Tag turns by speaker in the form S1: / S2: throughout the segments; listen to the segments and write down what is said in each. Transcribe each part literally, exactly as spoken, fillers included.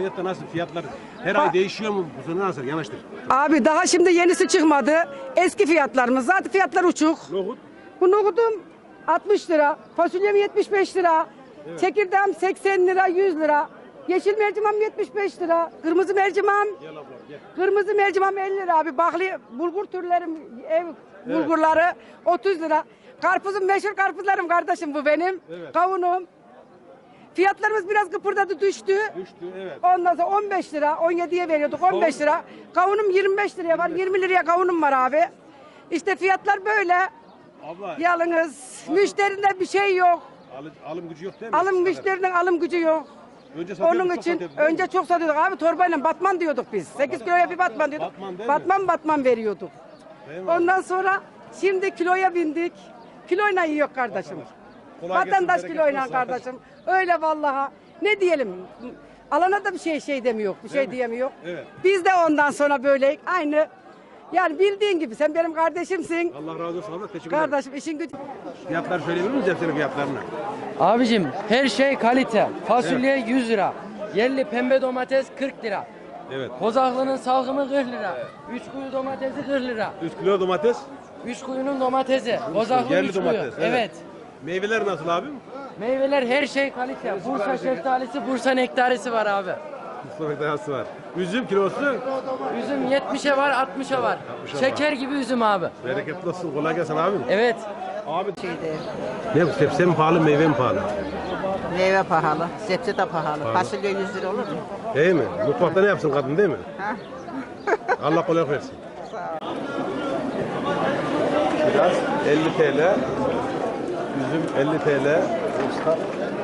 S1: internette nasıl fiyatlar her ay değişiyor mu? Bu sene nasıl? Yanaştır.
S2: Abi daha şimdi yenisi çıkmadı. Eski fiyatlarımız. Zaten fiyatlar uçuk.
S1: Nohut.
S2: Bu nohudum altmış lira. Fasulyem yetmiş beş lira.
S1: Evet.
S2: Çekirdeğim seksen lira, yüz lira. Yeşil mercimem yetmiş beş lira. Kırmızı mercimem.
S1: Gel abla gel.
S2: Kırmızı mercimem elli lira abi. Bakli bulgur türlerim, ev bulgurları otuz lira. Karpuzum meşhur karpuzlarım kardeşim bu benim.
S1: Evet.
S2: Kavunum. Fiyatlarımız biraz kıpırdadı düştü.
S1: Düştü evet.
S2: Ondan sonra on beş lira, on yediye veriyorduk on beş lira. Kavunum yirmi beş liraya var, yirmi liraya kavunum var abi. İşte fiyatlar böyle.
S1: Abla.
S2: Yalnız müşterinde bir şey yok.
S1: Alım, alım gücü yok değil mi?
S2: Alım müşterinin alım gücü yok.
S1: Önce satıyorduk,
S2: Onun
S1: çok
S2: için
S1: satıyorduk, değil mi?
S2: önce çok satıyorduk abi, torbayla batman diyorduk biz. sekiz kiloya bir batman diyorduk.
S1: Batman değil mi?
S2: Batman batman veriyorduk.
S1: Değil mi?
S2: Ondan sonra şimdi kiloya bindik. Kiloyla yiyor kardeşim.
S1: Kolay gelsin,
S2: Vatandaş
S1: bereketli
S2: kiloyla
S1: olsun.
S2: kardeşim. Öyle vallahi. Ne diyelim? Alana da bir şey şey demiyor. Bir şey
S1: mi?
S2: diyemiyor.
S1: Evet.
S2: Biz de ondan sonra böyle aynı. Yani bildiğin gibi sen benim kardeşimsin.
S1: Allah razı olsun abla. Teşekkür ederim.
S2: Kardeşim işin gücü.
S1: Fiyatlar söyleyebilir miyiz hepsinin fiyatlarını?
S3: Abicim her şey kalite. Fasulye yüz lira. Yerli pembe domates kırk lira.
S1: Evet.
S3: Kozaklı'nın salkımı kırk lira. Üç kuyu domatesi kırk lira.
S1: üç kilo domates.
S3: Üç kuyunun domatesi. Kozaklı
S1: Yerli
S3: üç kuyu.
S1: domates, evet.
S3: Evet.
S1: Meyveler nasıl abim?
S3: Meyveler her şey kalite. Bursa şeftalisi, Bursa nektarisi var abi.
S1: Mustafa dayası var. Üzüm kilosu.
S3: Üzüm yetmişe var, altmışa var.
S1: altmışa
S3: Şeker gibi üzüm abi.
S1: Bereketli olsun. Kolay gelsin abim.
S3: Evet.
S1: Abi. Ne bu? Sebze mi pahalı, meyve mi pahalı?
S4: Meyve pahalı, sebze de pahalı. Fasulye yüz lira olur mu?
S1: Değil mi? Mutfakta ne yapsın kadın değil mi?
S4: Ha?
S1: Allah kolaylık versin. Biraz elli TL. Üzüm elli TL. Usta.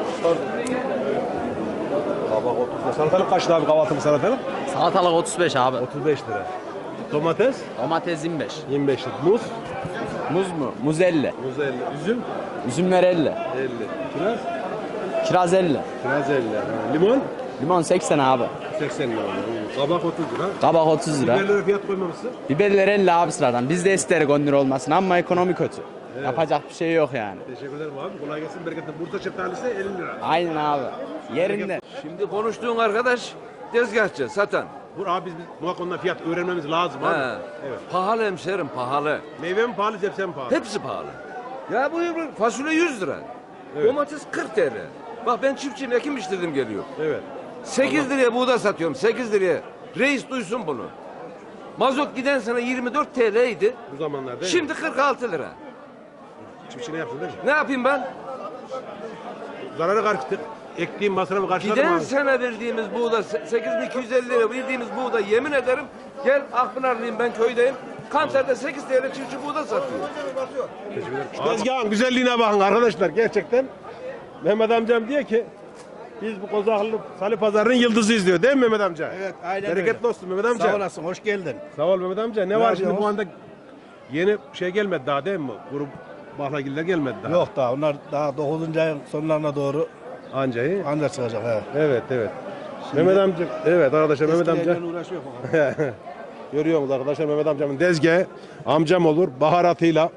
S1: Kabak otuz lira. Salatalık kaç lira abi kahvaltılık salatalık?
S5: Salatalık otuz beş abi.
S1: otuz beş lira. Domates
S5: Domates yirmi beş.
S1: yirmi beş lira. Muz
S5: Muz mu? Muz elli.
S1: muz elli. Üzüm
S5: Üzümler elli.
S1: elli. Kiraz
S5: Kiraz elli.
S1: kiraz elli. Ha, limon
S5: Limon seksen abi.
S1: seksen lira. Kabak otuz lira.
S5: Kabak otuz lira.
S1: Biberlere fiyat koymamışsın.
S5: Biberler elli abi sıradan. Biz de isterik on lira olmasın ama ekonomi kötü. Yapacak bir şey yok yani.
S1: Teşekkür ederim abi. Kolay gelsin. Bereketli. Bursa şeftalisi elli lira.
S5: Aynen abi. Yerinde.
S6: Şimdi konuştuğun arkadaş tezgahçı, satan.
S1: Bu abi biz, biz muhakkak ondan fiyat öğrenmemiz lazım abi.
S6: Ha.
S1: Evet.
S6: Pahalı hemşerim, pahalı.
S1: Meyve mi pahalı, sebze mi pahalı?
S6: Hepsi pahalı. Ya bu bu fasulye yüz lira.
S1: Evet.
S6: Domates kırk TL. Bak ben çiftçiyim, ekim işledim geliyor.
S1: Evet.
S6: sekiz liraya buğday satıyorum, sekiz liraya. Reis duysun bunu. Mazot giden sene yirmi dört T L'ydi.
S1: Bu zamanlarda.
S6: Şimdi kırk altı lira.
S1: çiftçi ne yapsın değil mi?
S6: Ne yapayım ben?
S1: Zararı karşıtık. Ektiğim masrafı karşıladım
S6: Giden
S1: abi.
S6: sene verdiğimiz buğday sekiz bin iki yüz elli lira verdiğimiz buğday yemin ederim gel Akpınarlıyım ben köydeyim. Kanser'de sekiz T L çiftçi buğday satıyor.
S1: Teşekkür ederim. Şu tezgahın güzelliğine bakın arkadaşlar gerçekten. Mehmet amcam diyor ki biz bu Kozaklı Salı Pazarı'nın yıldızıyız diyor değil mi Mehmet amca?
S7: Evet, aynen
S1: Bereketli
S7: öyle.
S1: olsun Mehmet amca.
S7: Sağ olasın, hoş geldin.
S1: Sağ ol Mehmet amca. Ne,
S7: Ne
S1: var şimdi bu
S7: yapıyorsunuz?
S1: anda yeni şey gelmedi daha değil mi? Grup Bahlagiller gelmedi daha.
S7: Yok daha, onlar daha dokuzuncu ayın sonlarına doğru
S1: Anca iyi.
S7: ancak çıkacak. He.
S1: Evet evet. Mehmet amca, evet arkadaşlar Mehmet amca.
S7: Eskilerle uğraşıyor bakalım.
S1: Görüyorsunuz arkadaşlar Mehmet amcamın dezgahı. Amcam olur baharatıyla.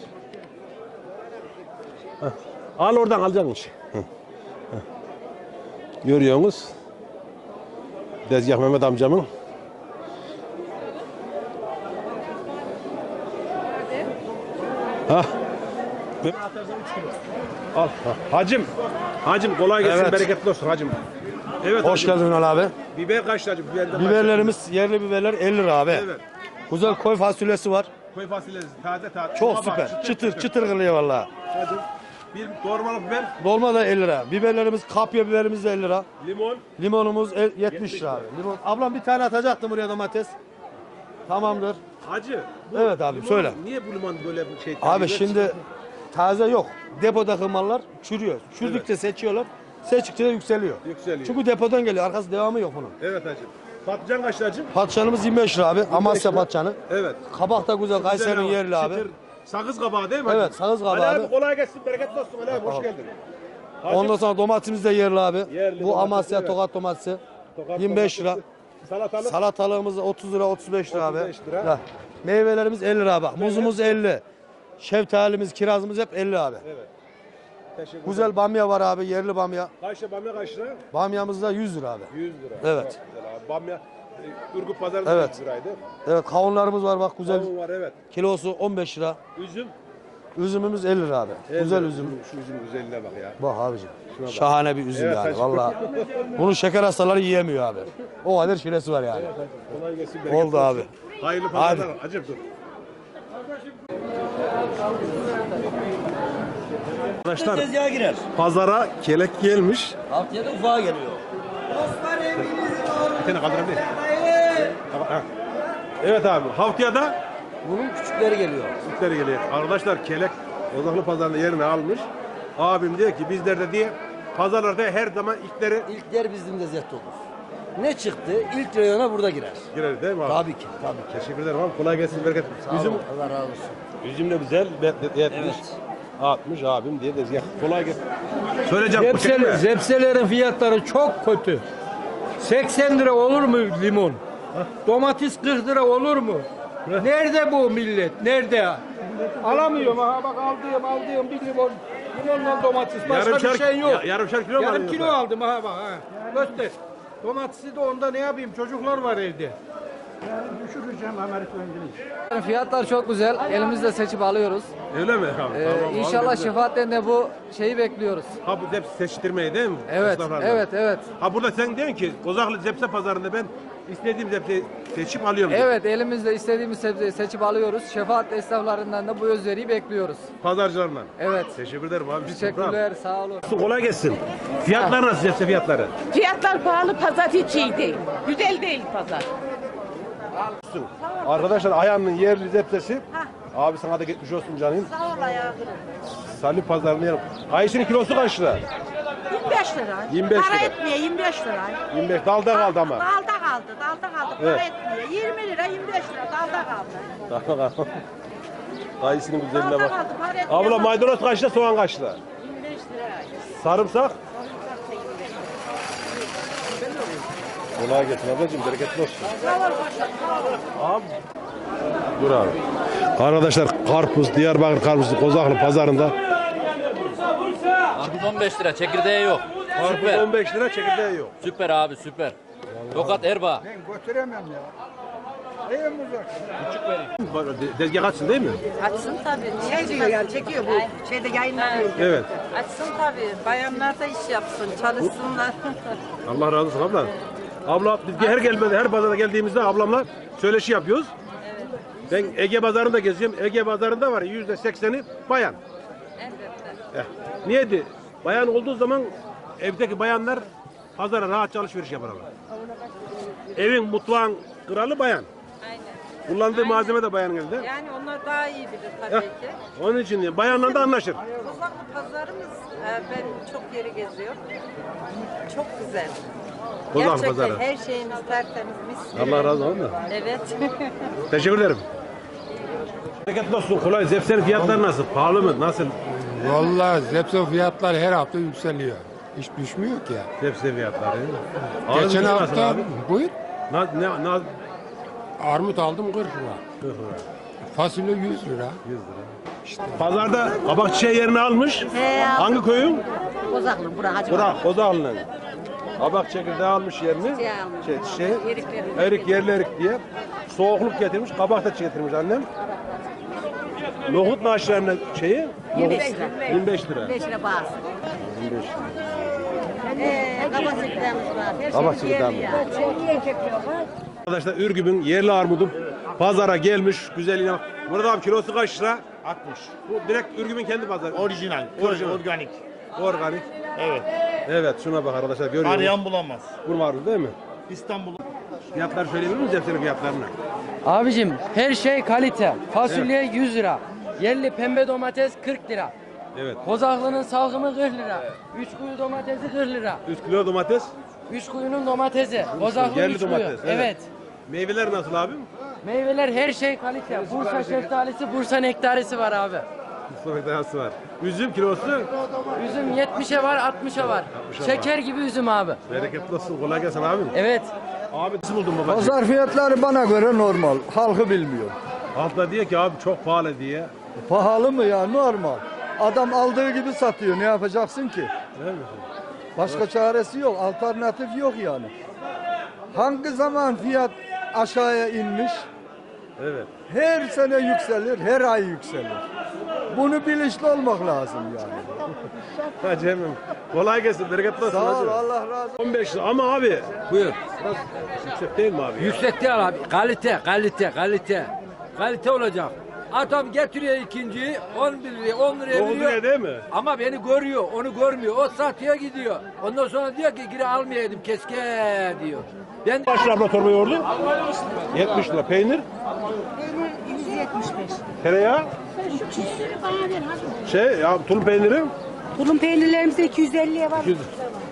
S1: Heh. Al oradan alacaksın işi. Heh. Heh. Görüyorsunuz. Dezgah Mehmet amcamın. Ha. Al. Ha. Hacım. Hacım kolay gelsin
S7: Evet.
S1: bereketli olsun hacım. Evet
S7: Hoş
S1: hacım.
S7: geldin Ünal abi.
S1: Biber kaç hacım? Biber de kaç?
S7: Biberlerimiz, yerli biberler elli lira abi.
S1: Evet.
S7: Güzel koy fasulyesi var.
S1: Koy fasulyesi taze taze.
S7: Çok
S1: Baba,
S7: süper. Çıtır çıtır kılıyor vallahi.
S1: Hacım. Bir doğramalı biber,
S7: Dolma da elli lira. Biberlerimiz, kapya biberimiz de elli lira.
S1: limon.
S7: Limonumuz el- yetmiş lira abi. Limon. Ablam bir tane atacaktım buraya domates. Tamamdır.
S1: Hacı. bu
S7: Evet abi,
S1: limon-
S7: söyle.
S1: Niye bu limon böyle bir şey?
S7: Abi
S1: tercih
S7: şimdi
S1: ediyorsun?
S7: taze yok. Depodaki mallar çürüyor. Çürüdükçe seçiyorlar. Seçtikçe de yükseliyor.
S1: Yükseliyor.
S7: Çünkü depodan geliyor. Arkası devamı yok bunun.
S1: Evet hacım. Patlıcan kaç hacım?
S7: Patlıcanımız yirmi beş lira abi. Amasya
S1: lira.
S7: patlıcanı.
S1: Evet.
S7: Kabak da güzel. Kayseri'nin
S1: Güzel
S7: yerli
S1: ama
S7: abi.
S1: çıtır, sakız kabağı değil mi
S7: Evet,
S1: hacım?
S7: sakız kabağı
S1: Ali abi.
S7: abi.
S1: Kolay gelsin, bereketli olsun Ali abi. Hoş
S7: Tamam.
S1: geldin. Hacım,
S7: Ondan sonra domatesimiz de yerli abi.
S1: Yerli
S7: Bu
S1: domates,
S7: Amasya
S1: evet.
S7: Tokat domatesi.
S1: Tokat
S7: yirmi beş lira.
S1: domatesi, Salatalık.
S7: Salatalığımız otuz lira, otuz beş lira abi.
S1: otuz beş lira.
S7: Ya, meyvelerimiz elli lira bak. Muzumuz elli. Şeftalimiz, kirazımız hep elli abi.
S1: Evet. Teşekkür
S7: Güzel bamya var abi, yerli bamya.
S1: Kaç lira bamya kaç lira?
S7: Bamyamız da yüz lira abi.
S1: yüz lira.
S7: Evet.
S1: Çok güzel abi. Bamya e, Ürgüp pazarında
S7: Evet.
S1: yüz liraydı.
S7: Evet, kavunlarımız var bak güzel.
S1: Kavun var evet.
S7: Kilosu on beş lira.
S1: Üzüm.
S7: Üzümümüz elli lira abi.
S1: elli
S7: Güzel
S1: lira.
S7: üzüm.
S1: Şu üzüm güzelliğine bak ya.
S7: Bak abicim.
S1: bak.
S7: Şahane bir üzüm
S1: Evet,
S7: yani
S1: saçma.
S7: vallahi. Bunu şeker hastaları yiyemiyor abi. O kadar şilesi var yani.
S1: Kolay gelsin.
S7: Oldu
S1: bereketli
S7: abi.
S1: olsun. Hayırlı pazarlar. Acep dur. Arkadaşlar
S8: Tezgaha girer.
S1: pazara kelek gelmiş.
S8: Haftaya da ufağa geliyor.
S1: Bir tane kaldırabilir. Ha. Evet abi haftaya da
S8: Bunun küçükleri geliyor.
S1: Türkleri geliyor. Arkadaşlar kelek Ozaklı pazarında yerini almış. Abim diyor ki bizlerde diye pazarlarda her zaman ilkleri
S8: İlkler bizim de zet olur. Ne çıktı? İlk reyona burada girer.
S1: girer değil mi abi?
S8: Tabii ki, tabii ki.
S1: Teşekkür ederim abi. Kolay gelsin. Bereket.
S8: Sağ
S1: Üzüm,
S8: olun, Allah razı olsun.
S1: üzüm de güzel. Be- be- yetmiş.
S8: Evet.
S1: altmış abim diye de ya, kolay gelsin. Söyleyeceğim. bu çekme.
S9: Zepsel, zepselerin fiyatları çok kötü. seksen lira olur mu limon? Domates kırk lira olur mu? Nerede bu millet? Nerede? Alamıyorum. Ha bak aldığım aldığım bir limon. Limonla domates. Başka
S1: Yarımşar-
S9: bir şey yok.
S1: ya- yarımşar kilo mu
S9: Yarım
S1: alıyorsun
S9: kilo
S1: sen?
S9: aldım ha bak ha. Göster. Domatesi de onda ne yapayım? Çocuklar var evde.
S3: Fiyatlar çok güzel. Elimizle seçip alıyoruz.
S1: Öyle mi? Tamam,
S3: Ee,
S1: tamam, abi,
S3: inşallah
S1: güzel.
S3: şefaatten de bu şeyi bekliyoruz.
S1: Ha bu hepsi seçtirmeyi değil mi?
S3: Evet,
S1: Esnaflardan.
S3: evet, evet.
S1: Ha burada sen diyorsun ki Kozaklı Zepse pazarında ben istediğim zepseyi seçip alıyorum. diyor.
S3: Evet, elimizle istediğimiz sebzeyi seçip alıyoruz. Şefaat esnaflarından da bu özveriyi bekliyoruz.
S1: Pazarcılarla.
S3: Evet.
S1: Teşekkür ederim abi.
S3: Teşekkürler, sağ olun.
S1: Kolay gelsin. Fiyatlar nasıl zepse fiyatları?
S10: Fiyatlar pahalı, pazar hiç iyi değil. Güzel değil pazar.
S1: Arkadaşlar Ayhan'ın yerli zepsesi. Abi sana da geçmiş olsun canım.
S10: Sağ ol ayağım.
S1: Salı pazarında yerim. Kayısının kilosu kaç lira?
S10: yirmi beş lira.
S1: yirmi beş
S10: Para
S1: lira.
S10: etmiyor yirmi beş lira.
S1: yirmi beş dalda kaldı ama.
S10: Dalda kaldı, dalda kaldı. Para
S1: Evet.
S10: etmiyor. yirmi lira, yirmi beş lira dalda kaldı.
S1: Tamam. Kayısının güzelliğine
S10: Dalda
S1: bak.
S10: kaldı, para etmiyor.
S1: Abla maydanoz kaç lira, soğan kaç lira?
S10: yirmi beş lira.
S1: Sarımsak? Kolay gelsin ablacığım, bereketli olsun. Abi. Dur abi. Arkadaşlar karpuz, Diyarbakır karpuzu Kozaklı pazarında.
S11: Karpuz on beş lira, çekirdeği yok.
S1: Karpuz
S11: Süper.
S1: on beş lira, çekirdeği yok.
S11: Süper abi, süper. Tokat Erbaa.
S1: Dezgah açsın değil mi?
S10: Açsın tabii. Şey diyor yani çekiyor bu. Şeyde yayınlanıyor.
S1: Evet.
S10: Açsın tabii. Bayanlar da iş yapsın, çalışsınlar.
S1: Allah razı olsun abla. Abla biz her gelmede, her pazara geldiğimizde ablamla söyleşi yapıyoruz. Ben Ege pazarında geziyorum. Ege pazarında var yüzde sekseni bayan.
S10: Elbette.
S1: Eh, niye di? Bayan olduğu zaman evdeki bayanlar pazara rahatça alışveriş yaparlar. Evin mutfağın kralı bayan.
S10: Aynen.
S1: Kullandığı malzeme de bayanın elinde.
S10: Yani onlar daha iyi bilir
S1: Eh,
S10: tabii ki.
S1: onun için bayanla da anlaşır.
S10: Kozaklı pazarımız e, ben çok yeri geziyorum. Çok güzel.
S1: Kozaklı
S10: Gerçekten
S1: pazarı.
S10: her şeyimiz tertemiz, mis gibi.
S1: Allah razı olsun.
S10: Evet.
S1: Teşekkür ederim. Bereketli olsun. Kolay. Zepsenin fiyatları nasıl? Pahalı mı? Nasıl?
S12: Vallahi zepse fiyatlar her hafta yükseliyor. Hiç düşmüyor ki.
S1: Zepse fiyatları.
S12: Geçen
S1: Ağzı nasıl
S12: hafta
S1: abi?
S12: buyur.
S1: Na, ne, na,
S12: Armut aldım kırk lira.
S1: kırk lira.
S12: Fasulye yüz lira.
S1: yüz lira. Pazarda kabak çiçeği yerini almış. Hangi köyün?
S10: Kozaklı, bura Hacı
S1: Bura, Kozağlı'nın. Kabak çekirdeği almış yerini.
S10: Çiçeği almış.
S1: Şey, çiçeği.
S10: Eriklerini.
S1: Erik, yerli erik diye. Soğukluk getirmiş. Kabak da getirmiş annem. Nohut maaşlarının şeyi?
S10: yirmi
S1: nohut-
S10: beş lira.
S1: yirmi beş lira.
S10: beş lira bağırsın.
S1: yirmi beş lira.
S10: Ee, kabakçıklarımız var. Her
S1: Kabak
S10: şeyimiz yerli
S1: çekirdeği
S10: ya.
S1: Arkadaşlar Ürgüp'ün yerli armudu pazara gelmiş güzelliğine bak. Burada abi kilosu kaç lira?
S12: altmış.
S1: Bu direkt Ürgüp'ün kendi pazarı.
S12: Orijinal.
S1: Orijinal.
S12: Organik.
S1: Organik.
S12: Evet.
S1: Evet şuna bak arkadaşlar görüyorsunuz.
S12: Arayan bulamaz.
S1: Bu marul değil mi?
S12: İstanbul.
S1: Fiyatlar söyleyebilir miyiz hepsinin fiyatlarını?
S3: Abicim her şey kalite. Fasulye yüz lira. Yerli pembe domates kırk lira.
S1: Evet.
S3: Kozaklı'nın salgımı kırk lira. Üç kuyu domatesi kırk lira.
S1: üç kilo domates.
S3: Üç kuyunun domatesi. Kozaklı
S1: yerli
S3: üç kuyu.
S1: domates, evet.
S3: Evet.
S1: Meyveler nasıl abim?
S3: Meyveler her şey kalite. Bursa şeftalisi, Bursa nektarisi var abi.
S1: Mustafa Dayası var. Üzüm kilosu.
S3: Üzüm yetmişe var, altmışa var.
S1: altmışa
S3: Şeker gibi üzüm abi.
S1: Bereketli olsun. Kolay gelsin abim.
S3: Evet.
S1: Abi nasıl buldun babacığım?
S9: Pazar fiyatları bana göre normal. Halkı bilmiyor.
S1: Halk da diyor ki abi çok pahalı diye.
S9: Pahalı mı ya? Normal.
S7: Adam aldığı gibi satıyor. Ne yapacaksın ki?
S1: Değil mi?
S7: Başka çaresi yok. Alternatif yok yani. Hangi zaman fiyat aşağıya inmiş?
S1: Evet.
S7: Her sene yükselir, her ay yükselir. Bunu bilinçli olmak lazım yani.
S1: Hacı emmim. Kolay gelsin. Bereketli olsun.
S7: Sağ ol,
S1: hacı.
S7: Allah razı olsun.
S1: on beş lira ama abi.
S9: Buyur.
S1: Biraz yüksek değil mi abi? ya?
S9: Yüksek değil abi. Kalite, kalite, kalite. Kalite olacak. Adam getiriyor ikinciyi on bir liraya, on liraya
S1: Dokuz
S9: veriyor.
S1: liraya değil mi?
S9: Ama beni görüyor, onu görmüyor. O satıyor gidiyor. Ondan sonra diyor ki geri almayaydım keşke diyor. Ben
S1: Kaç lira abla torba yoğurdu? yetmiş lira. Peynir?
S10: Peynir yüz yetmiş beş.
S1: Tereyağı?
S10: Şu küsürü bana ver hadi.
S1: Şey ya tulum peyniri?
S10: Tulum peynirlerimizde iki yüz elliye var.
S1: iki yüz.